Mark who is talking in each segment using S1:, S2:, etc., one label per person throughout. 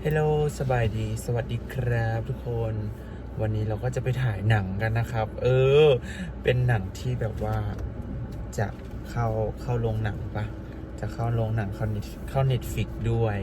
S1: เฮลโลสบายดีสวัสดีครับทุกคนวันนี้เราก็จะไปถ่ายหนังกันนะครับเป็นหนังที่แบบว่าจะเข้าโรงหนังปะจะเข้าโรงหนังเข้าเน็ตฟิกด้วย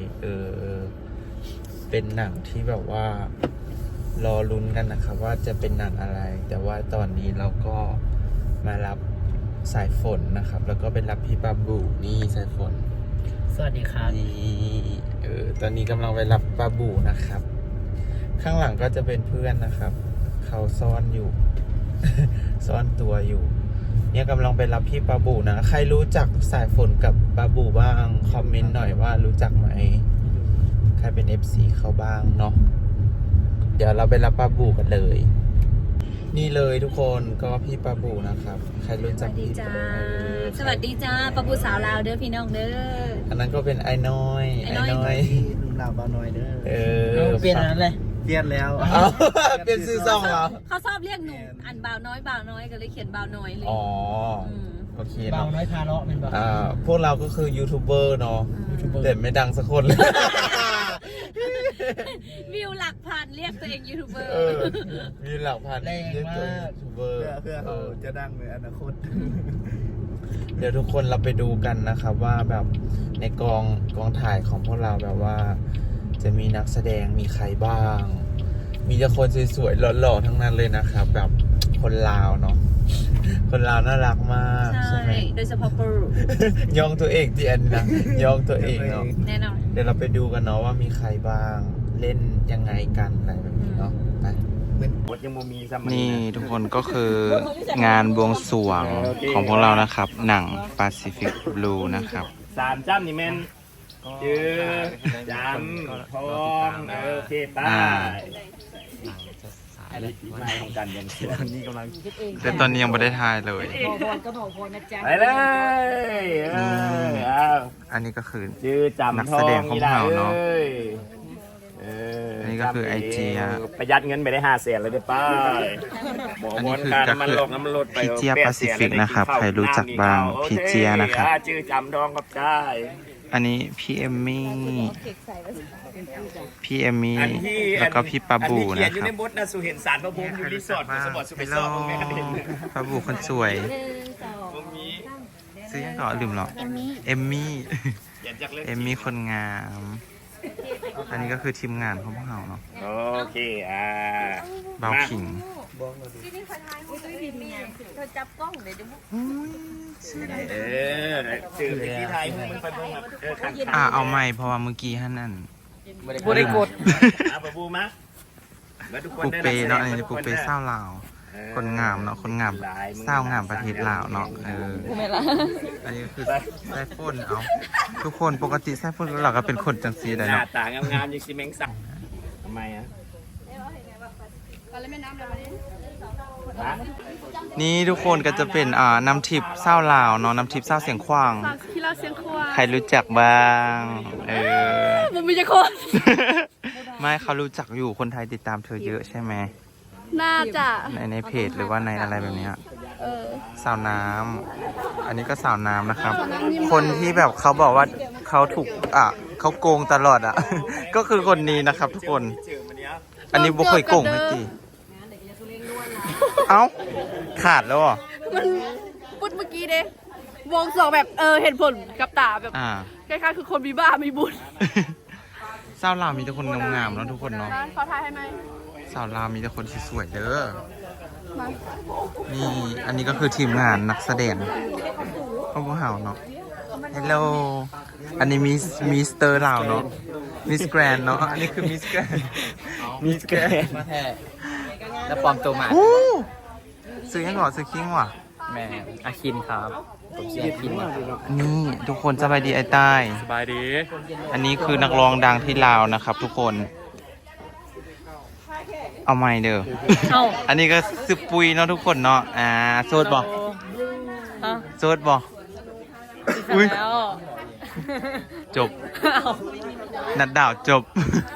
S1: เป็นหนังที่แบบว่ารอลุ้นกันนะครับว่าจะเป็นหนังอะไรแต่ว่าตอนนี้เราก็มารับสายฝนนะครับแล้วก็ไปรับพี่ปาบูนี่สายฝน
S2: สวัสดีครับ
S1: นี่ตอนนี้กำลังไปรับปาบูนะครับข้างหลังก็จะเป็นเพื่อนนะครับเขาซ่อนอยู่ ซ่อนตัวอยู่เนี่ยกำลังไปรับพี่ปาบูนะใครรู้จักสายฝนกับปาบูบ้างคอมเมนต์หน่อยว่ารู้จักไหมใครเป็น FC เขาบ้างเนาะเดี๋ยวเราไปรับปาบูกันเลยนี่เลยทุกคนก็พี่ปาบูนะครับใครรู้จักพี่
S3: สวัสดีจ้าปาบูสาวลาวเด้อพี่น้องเด้อ
S1: อันนั้นก็เป็นไอ้น้อย
S2: ลุงลาวบ้าน้อยเด้อเปลี่ยนนั้นเลยเปลี่ยนแล้ว
S1: เปลี่ยนชื่อซ่องเหรอ
S3: เขาชอบเรียกหนูอันบ่าวน้อยก็เลยเขียนบ่าวน้อยเลย
S1: อ๋อโอเค
S2: บ่าวน้อยพาเลาะเป็นบ่
S1: าวพวกเราก็คือยูทูบเบอร์เนาะแต่ไม่ดังสักคนเลย
S3: วิวหลักพันเรียกตัวเองยูทูบเบอร์
S1: วิวหลักพันเรียกตัวเองยูทูบเบอร์
S2: เพื่อเขาจะดังในอนาคต
S1: เดี๋ยวทุกคนเราไปดูกันนะครับว่าแบบในกองถ่ายของพวกเราแบบว่าจะมีนักแสดงมีใครบ้างมีแต่คนสวยๆหล่อๆทั้งนั้นเลยนะครับแบบคนลาวเนาะคนลาวน่ารักมากใช่ไหม
S3: โดยเฉพาะปู
S1: ยองตัวเองที่อันนะยองตัวเองเนาะ
S3: แน่นอน
S1: เดี๋ยวเราไปดูกันเนาะว่ามีใครบ้างเล่นยังไงกันอะไรแบบนี้เนาะไปนี่ทุกคนก็คืองานบวงสรวงของพวกเรานะครับหนัง Pacific Blue นะครับ
S4: 3จ้ำนี่แม่นจื้อจำทองโอเคป้าไม่ของกันยังตอนนี้กำลัง
S1: แต่ตอนนี้ยังไม่ได้ถ่ายเลย
S4: ไปเลย
S1: อันนี้ก็คือ
S4: จื้อจำ
S1: นักแสดงของเราเนาะอันนี้ก็คือไอเจีย
S4: ประหยัดเงินไปได้500,000เลยได้ป้า
S1: อันนี้คือก็คือพี่เจียแปซิฟิกนะครับใครรู้จักบ้างพี่เจียนะครับ
S4: จื้อจำทองกับจ้า
S1: อันนี้พี่เอมมี่แล้วก็พี่ปาบูนะครับอยู่ในบทนะสุเห็นสารพระพรหมอยู่รีสอร์ทสมบัติสุเปซอร์ผมไม่เห็นปาบูคนสวยซื้อยังก่อนลืมหรอเอมมี่คนงามอันนี้ก็คือทีมงานของพวกเราเนาะ
S4: โอเค
S1: เบาขิง
S3: จับกล้องเลย
S4: สื่อที่ไทยมันไปเบิ่ง
S1: เอาใหม่เพราะว่าเมื่อกี้ท่านนั่น
S4: บ่ได้กดปะบูมา
S1: ปุกเปเนาะอันนี้ปุกเปเศร้าลาวคนงามเนาะคนงามเศร้างามประเทศลาวเนาะอันนี้คือไส้พ่นเอาทุกคนปกติไส้พ่นเราก็เป็นคนจังซีได้เนาะ
S4: ต่างงามๆอย่างซีเมงสักทำไม
S1: นี่ทุกคนก็จะเป็นน้ำทิพย์เศร้าลาวเนาะน้ำทิพย์เศร้าเสียงขวางใครรู้จักบ้าง
S3: มันมีจะคน
S1: ไม่เขารู้จักอยู่คนไทยติดตามเธอเยอะใช่ไหม
S3: น่าจะ
S1: ในเพจหรือว่าในอะไรแบบนี้สาวน้ำอันนี้ก็สาวน้ำนะครับคนที่แบบเขาบอกว่าเขาถูกเขาโกงตลอดก็คือคนนี้นะครับทุกคนอันนี้บุคคลโกงไม่ตีเอ้าขาดแล้ว
S3: มันพูดเมื่อกี้เด้วงสองแบบเห็นผลกับตาแบบคล้ายๆคือคนมีบ้ามีบุญ
S1: สาวลาวมีแต่คนงามๆเนาะทุกคนเนาะ
S3: ขอถ่ายให้ไหม
S1: สาวลาวมีแต่คนสวยๆเด้อนี่อันนี้ก็คือทีมงานนักแสดงของพวกเราเนาะฮัลโหลอันนี้มิสเตอร์ลาวเนาะมิสแกรนเนาะอันนี้คือมิสแกรน
S2: มาแท้แล้วปลอมตัวมา
S1: ซื้อยังหรอซื้อคิงว่ะ
S2: แม่อาคินครับผมชื่ออาคิน
S1: นี่ทุกคนสบายดีไอ้ใต้
S4: สบายดี
S1: อันนี้คือนักร้องดังที่ลาวนะครับทุกคนเอาไม่เด้ออันนี้ก็ซึบปุยเนาะทุกคนเนาะโซดบอกอุ้ยจบนัดดาวจบ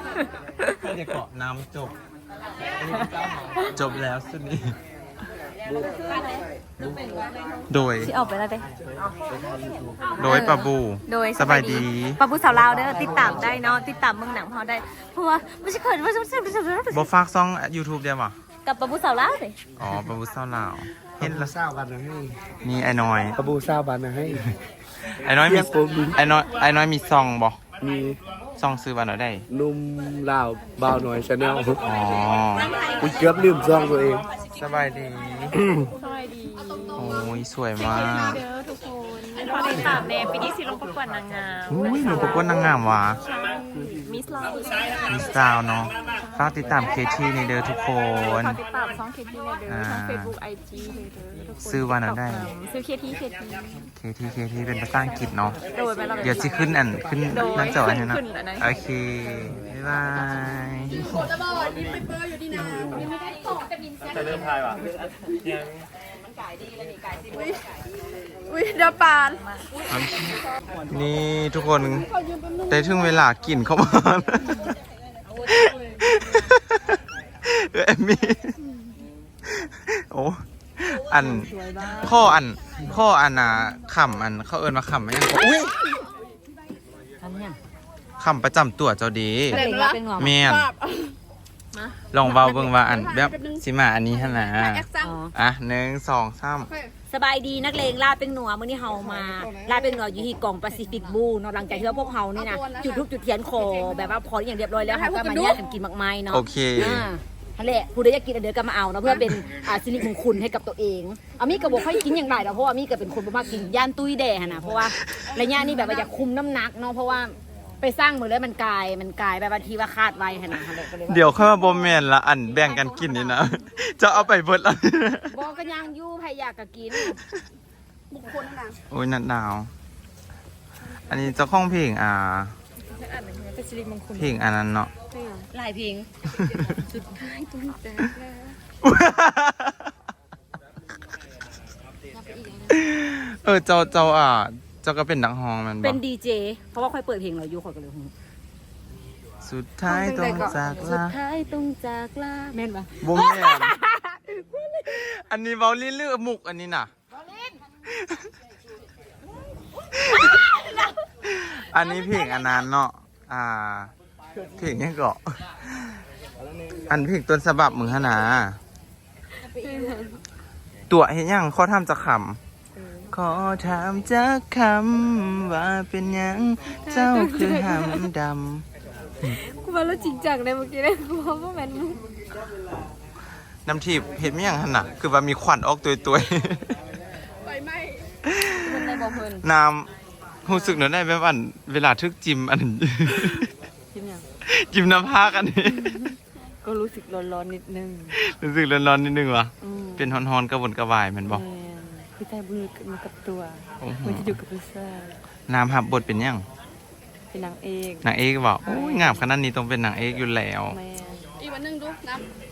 S1: เดี๋ยวเกาะน้ำจบแล้วสุดนี้โดย
S3: ที่ออกไปแล้วเด้
S1: โดยปะบู
S3: โดย
S1: สบายดี
S3: ปะบูสาวลาวเด้อติดตามได้เนาะติดตามเมืองหนังพอได้เพราะว่าไม่ใช่เขินว่าจะ
S1: บ่ฝากซ่อง YouTube เดียวบ่
S3: กับปะบูสาวลาวเลย
S1: อ๋อปะบูเศร้าลาวเห็นละ
S2: เศร้าบันให้
S1: นี่ไอ้น้อย
S2: กระบูเศร้าบันให้
S1: ไอ้น้อยมีไอ้น้อยมีซองบ่
S2: มี
S1: ซองซื้อวันไหนได้
S2: นุ่มลาวบ่าวหน่อยชาแนล
S1: อ๋อ
S2: กูเกือบลืมซองตัวเอง
S1: สบายดี
S3: สวัสดี
S1: โอ้ยสวยมาก
S3: เด้อทุกคนพอติดตามแน่ปีนี้สิลงประกวดนางงาม
S1: อุ้ยหนูประกวดนางงามว่ะ
S3: มิสลาว
S1: มีสาวเนาะฝากติดตามเคทีในเด้อทุกคน
S3: ขอติดตามช่องเคทีเลยเด้อช่องเฟซบุ๊กไอจีเลยเด้อทุกคน
S1: ซื้อวันไหนได้
S3: ซื้อเคที
S1: เคทีเป็นภาษาอังกฤษเนาะ
S3: โดยไปเรา
S1: เดี๋ยวจะขึ้นขึ้นหน้าจออันนี้นะ
S3: ขึ้นอันนั้น
S1: โอเค บ๊ายบาย
S4: จะเริ่มทายว่ะยัง
S3: อุ้ยเดี๋ยวปาน
S1: นี่ทุกคนได้ถึงเวลากินเข้ามาเอมมี่โอ้ข้อน่ะขำเขาเอินมาขำไหมยังอุ้ยขำประจำตัวเจ้าดีเมียนลองเบาเบิ่งว่าแบบสิมาอันนี้ฮะนะอ่ะ1 2 3
S5: สบายดีนักเลงลาเป็นหนัวมื้อนี้เฮามาลาเป็นหนัวอยู่ที่กองแปซิฟิกบูเนาะหลังจากที่ว่าพวกเฮานี่นะจุดทูปจุดเทียนขอแบบว่าพออย่างเรียบร้อยแล้วเฮาก็มาแยกกันกินมากมายเนาะ
S1: โอเค
S5: นั่นแหละผู้ใดอยากกินเดี๋ยวก็มาเอาเนาะเพื่อเป็นสิริมงคลให้กับตัวเองอามี่ก็บอกให้กินอย่างไรเนาะเพราะว่าอามี่ก็เป็นคนบ่มากกินย่านตุ้ยแด่หั่นน่ะเพราะว่าระยะนี้แบบว่าอยากคุมน้ำหนักเนาะเพราะว่าไปสร้างมือแล้วมันกลายแบบบางทีว่าคาดไว้หั่นน่ะก็เลยว่า
S1: เดี๋ยวค่อยมาบอมแมนละแบ่งกันกินนี่นะ จะเอาไปเบิดละ
S5: บอกกันยังอยู่ใครอยากก็กิน
S3: บุคคลนะ
S1: โอ้ยนัดหนาว อันนี้เจ้าของเพลง
S3: เป็นสิริมงคล
S1: เพลงอันนั้นเนาะ
S5: หลายเพลง
S3: สุดท้ายตุ้งแตกแล้ว
S1: เจ้าเจ้าก็เป็นนักฮ้องแมันบ
S5: เป็
S1: อน ก
S5: ดีเจเพราะว่าค่อยเปิดเพลงเราอยู่ค่อยก็เลย
S1: สุดท้ายต้องจาก
S5: สุ
S1: ลา
S5: ดท้ายต้องจากลาแม่นปะ
S1: บมแมนอันนี้เบาลิ้นหรือมุกอันนี้น่ะ อันนี้เพลงอันนั้นเนาะเพลงยังเกาะอันเพลงต้นฉบับมึงฮะนะตัวเห็นยังข้อทำจะขำขอถามจะคำว่าเป็นยังเจ้าคือหำดำ
S3: กูมาแล้วจริงจังเลยเมื่อกี้เลยกูว่าแมนมุก
S1: น้ำทิพย์เห็นไหมยังหันน่ะคือว่ามีควันออกตัว
S3: ไฟไหม้
S5: มันได้บอกเพิ่น
S1: น้ำรู้สึกหน่อยได้แบบอันเวลาทึกจิมอัน
S5: จิ้มยัง
S1: จิมน้ำพากันนี่
S5: ก็รู้สึกร้อนๆนิดนึง
S1: รู้สึกร้อนๆนิดนึงวะเป็นฮอนๆกระวนกระวายแมันบอก
S5: คือใจมือมันกับตัว
S1: โอ้โห
S5: มันจะอยู่กับผู้ชาย
S1: น้ำหับบทเป็นยัง
S5: เป็นนางเอก
S1: นางเอกบอกโอ้ยงามขนาดนี้ต้องเป็นนางเอกอยู่แล้ว
S5: แม่
S3: อีกวันหนึงดูนะ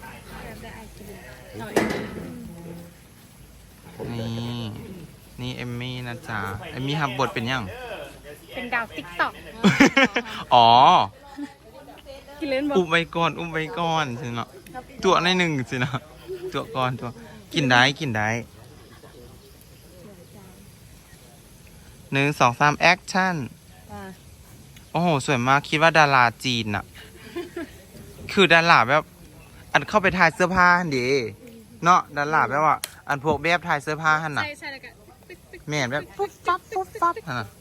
S1: นี่เอมมี่นะจ๊ะเอมมี่หับบทเป็นยัง
S3: เป็นดาวติ๊กต็อก
S1: อ๋อ
S3: กินเล่นบ่
S1: อุ้มไว้ก่อนสิเนาะตัวในหนึ่งสิเนาะตัวก่อนตัวกินได้1 2 3แอคชั่นโอ้โหสวยมากคิดว่าดาราจีนอะคือดาราแบบอันเข้าไปถ่ายเสื้อผ้าหั่นดิเนาะดาราแบบว่า อันพวกแบบถ่ายเสื้อผ้าหั่นน่ะ
S3: ใช่แล้วกัน
S1: แม่นแบบปุ๊บปั๊บหั่นน่ะ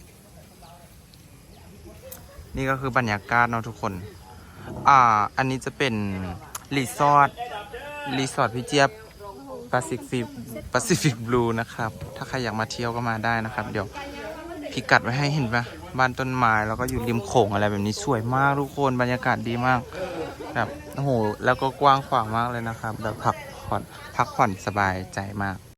S1: นี่ก็คือบรรยากาศเนาะทุกคน อันนี้จะเป็นรีสอร์ทพี่เจี๊ยบแปซิฟิกบลูนะครับ ถ้าใครอยากมาเที่ยวก็มาได้นะครับ เดี๋ยวพิกัดไว้ให้เห็นปะบ้านต้นไม้แล้วก็อยู่ริมโขงอะไรแบบนี้สวยมากทุกคนบรรยากาศดีมากแบบโอ้โหแล้วก็กว้างขวางมากเลยนะครับแบบพักผ่อนสบายใจมาก